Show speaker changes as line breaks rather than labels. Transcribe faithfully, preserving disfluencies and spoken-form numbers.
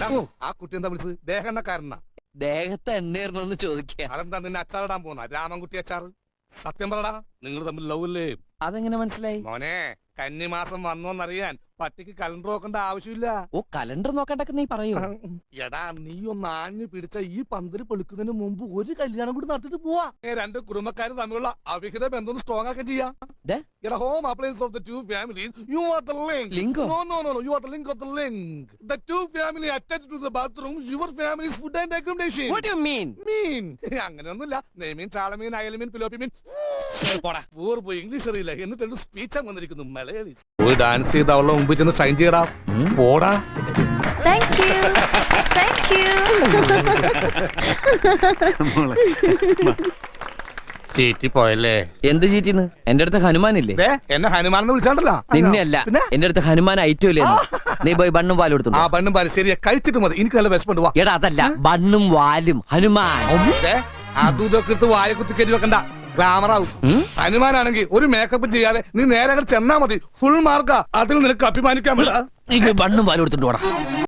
ആ കുട്ടി എന്താ വിളിച്ചത്? ദേഹണ്ണക്കാരനാ.
ദേഹത്തെ എണ്ണേറണമെന്ന് ചോദിക്കുക.
അതെന്താ നിന്നെ അച്ചാറിടാൻ പോന്ന രാമൻകുട്ടി അച്ചാറ്? സത്യം പറടാ, നിങ്ങൾ തമ്മിൽ ലവ് അല്ലേ?
അതെങ്ങനെ മനസ്സിലായി?
മോനെ, കന്നിമാസം വന്നോന്നറിയാൻ പട്ടിക്ക് കലണ്ടർ നോക്കേണ്ട ആവശ്യമില്ല.
ഓ, കലണ്ടർ നോക്കണ്ടൊക്കെ നീ പറയൂ.
എടാ, നീ ഒന്ന് ആഞ്ഞു പിടിച്ച ഈ പന്തല് പൊളിക്കുന്നതിന് മുമ്പ് ഒരു കല്യാണം കൂടി നടത്തിട്ട് പോവാ. രണ്ട് കുടുംബക്കാരും തമ്മിലുള്ള അവിഹിത ബന്ധം സ്ട്രോങ് ആക്കാൻ ചെയ്യാം. എടാ, home appliance of the two families, you are the link.
ലിങ്കോ?
No no no, you are the link of the link. The two family attached to the bathroom, your families food and accommodation.
What do you mean?
മീൻ അങ്ങനെയൊന്നുമില്ല. നെയ്മീൻ, ചാളമീൻ, അയലമീൻ, പിലോപ്പി മീൻ. പോയി English അറിയില്ല, എന്നിട്ട് speech വന്നിരിക്കുന്നു മലയാളി. ഒരു dance ചെയ്ത് അവളുടെ മുമ്പിൽ ചെന്ന് ഷൈൻ ചെയ്യടാ. പോടാ.
Thank you thank you.
ചീറ്റി പോയല്ലേ?
എന്ത് ചീറ്റിന്ന്? എന്റെ അടുത്ത് ഹനുമാനില്ലേ?
എന്നെ ഹനുമാനെന്ന് വിളിച്ചാണ്ടല്ലോ.
നിന്നെ അല്ല, എന്റെ അടുത്ത് ഹനുമാൻ ഐറ്റം ഇല്ലേ? നീ പോയി ബണ്ണും വാലും എടുത്തു.
ആ ബണ്ണും പാലും ശരിയാ, കഴിച്ചിട്ട് മതി. എനിക്ക് നല്ല വിശപ്പുണ്ട്. വാ.
എടാ, അതല്ല, ബണ്ണും വാലും ഹനുമാൻ.
അതും ഇതൊക്കെ എടുത്ത് വായ കുത്തി കയറ്റി വെക്കണ്ട, ഗ്ലാമറാവും. ഹനുമാനാണെങ്കിൽ ഒരു മേക്കപ്പ് ചെയ്യാതെ നീ നേരെ ചെന്നാ മതി, ഫുൾ മാർക്കാ. അതിൽ നിനക്ക് അഭിമാനിക്കാൻ പറ്റാ.
നീ ബണ്ണും വാലും എടുത്തിട്ട് പോടാ.